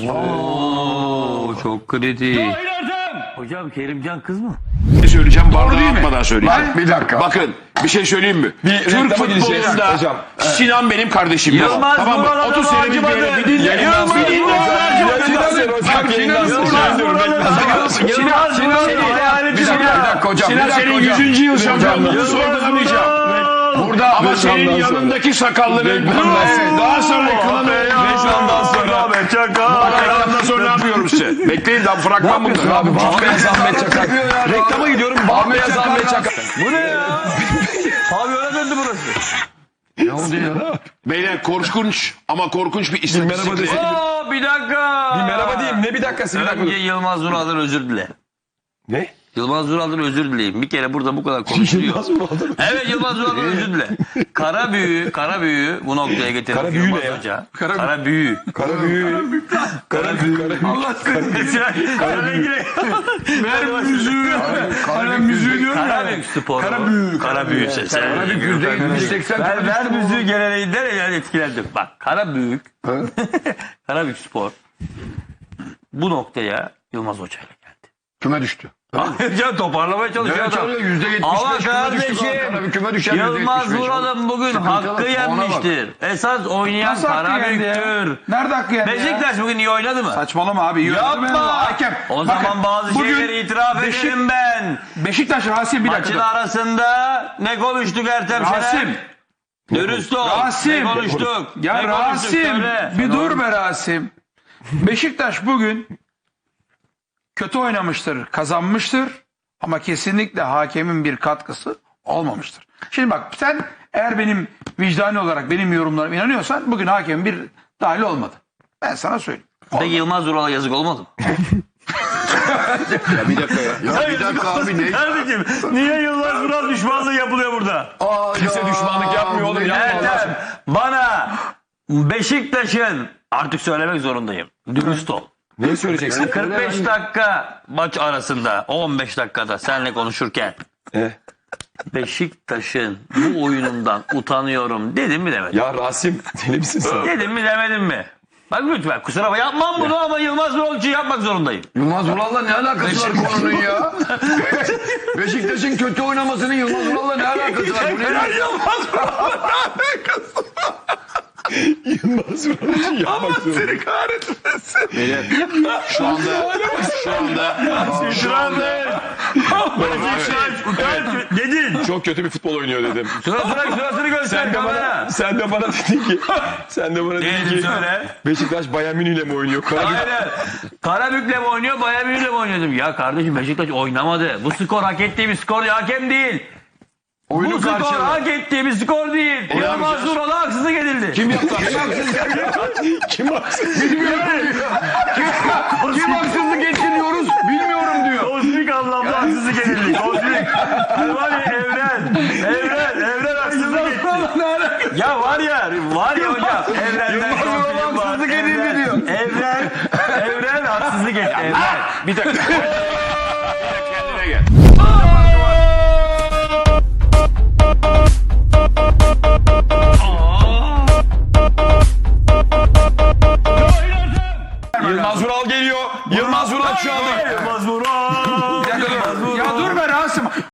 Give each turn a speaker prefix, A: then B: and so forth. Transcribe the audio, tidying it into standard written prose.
A: Oo, çok kritik. Hocam Kerimcan kız mı?
B: Ne söyleyeceğim? Bardağı atmadan söyleyeceğim.
C: Bir dakika.
B: Bakın bir şey söyleyeyim mi? Türk
C: reklama gideceğiz
B: futbolunda
C: hocam.
B: Sinan benim kardeşim.
A: Yılmaz
B: Tamam mı?
A: Vural'a
B: 30
A: da
B: senedir
A: acımadı.
B: böyle bir dinle.
A: Yılmaz
B: Bir dinle.
A: Vural'a
C: Bir dakika hocam.
B: Sinan senin 100. yıl şampiyonluğunu sorgulamayacağım.
C: Burada
B: Ama senin yanındaki sakallının daha sonra
C: reklamdan sonra
B: reklamdan sonra ne yapıyorum size? Bekleyin daha fragman bunlar.
C: abi Beyaz Ahmet Çakar. Reklama gidiyorum. Beyaz Ahmet Çakar.
A: Bu ne ya? Pavyona döndü burası.
C: Ne oldu ya?
B: Beyler korkunç ama korkunç bir istatistik.
A: Bir dakika.
C: Bir merhaba diyeyim. Ne bir dakikası bir dakika.
A: Önce Yılmaz Vural'dan özür dile.
C: Ne?
A: Yılmaz Vural'dan özür dileyim. Bir kere burada bu kadar konuşuluyor. Evet Yılmaz Vural'dan özür dile. Kara büyü bu noktaya getirdi.
C: Kara büyü
A: Yılmaz
C: ne ya?
A: Hoca. Kara büyü.
C: Kara büyü.
A: Allah ver müziği. Kara müziği diyorum ya. Karabük sporu. Karabük sesi.
C: Karabük %70-80.
A: Ver müziği geleneğinden yani etkilendim. Bak Karabük. Karabük spor. Bu noktaya Yılmaz Hoca ile geldi.
C: Küme düştü.
A: Can toparlamaya çalışıyor adam. Ama kardeşim Yılmaz Vural'ın bugün hakkı yenmiştir. Esas oynayan
D: Nasıl hakkı yendi ya?
A: Karabük'tür.
D: Nerede hakkı yendi
A: Beşiktaş bugün iyi oynadı mı?
D: Saçmalama abi. iyi oynadı.
A: Yapma.
D: Hakem.
A: O
D: Bakın,
A: zaman bazı
D: bugün
A: şeyleri itiraf ederim ben.
D: Beşiktaş Rasim bir
A: Maçın
D: dakika.
A: arasında ne konuştuk Ertem Şener?
D: Rasim.
A: Dürüst ol.
D: Rasim.
A: Ne konuştuk?
D: Ya
A: Ne konuştuk?
D: Rasim
A: Söyle.
D: bir dur be Rasim. Beşiktaş bugün kötü oynamıştır, kazanmıştır ama kesinlikle hakemin bir katkısı olmamıştır. Şimdi bak sen eğer benim vicdani olarak benim yorumlarıma inanıyorsan bugün hakemin bir dahil olmadı. Ben sana söyleyeyim.
A: Peki Yılmaz Vural'a yazık olmadı mı?
C: Ya bir dakika ya. Ya bir dakika abi ne?
A: Kardeşim niye Yılmaz Vural düşmanlığı yapılıyor burada?
C: Kimse düşmanlık yapmıyor oğlum.
A: Ertem bana Beşiktaş'ın artık söylemek zorundayım. Dürüst ol.
C: Ne söyleyeceksin?
A: 45 dakika maç arasında 15 dakikada seninle konuşurken Beşiktaş'ın bu oyunundan utanıyorum dedim mi demedim?
C: Ya Rasim deli misin sen?
A: Dedim mi demedim mi? Bak lütfen kusura bakma yapmam bunu ama Yılmaz Vural için yapmak zorundayım.
E: Yılmaz Vural'la ne alakası var konunun ya? Beşiktaş'ın kötü oynamasının Yılmaz Vural'la ne alakası var? Bu ne?
A: Yılmaz Vural
C: Yılmaz Vural için yapmak zorunda.
B: Seni kahretmesin. Şu anda
A: dedin.
C: Çok kötü bir futbol oynuyor dedim.
A: Sırasını göster kamera.
C: Sen de bana dedin ki
A: Dedim söyle.
C: Beşiktaş Bayern Münih ile mi oynuyor?
A: Aynen. Karabük'le mi oynuyor, Bayern Münih'le mi oynuyor dedim. Ya kardeşim Beşiktaş oynamadı. Bu skor hak ettiği bir skor hakem değil. Bu skor hak ettiği bir skor değil. Yılmaz Vural'a haksızlık edildi.
E: Kim yaptı?
C: Kim haksız?
E: Kim haksızlık etti diyoruz? Bilmiyorum diyor.
A: Kozmik anlamda haksızlık edildi. Kozmik. Var ya evren haksızlık etti. Ya var ya hocam. Evrenden haksızlık
E: edildi diyor.
A: Evren haksızlık etti. Evren.
C: Bir dakika.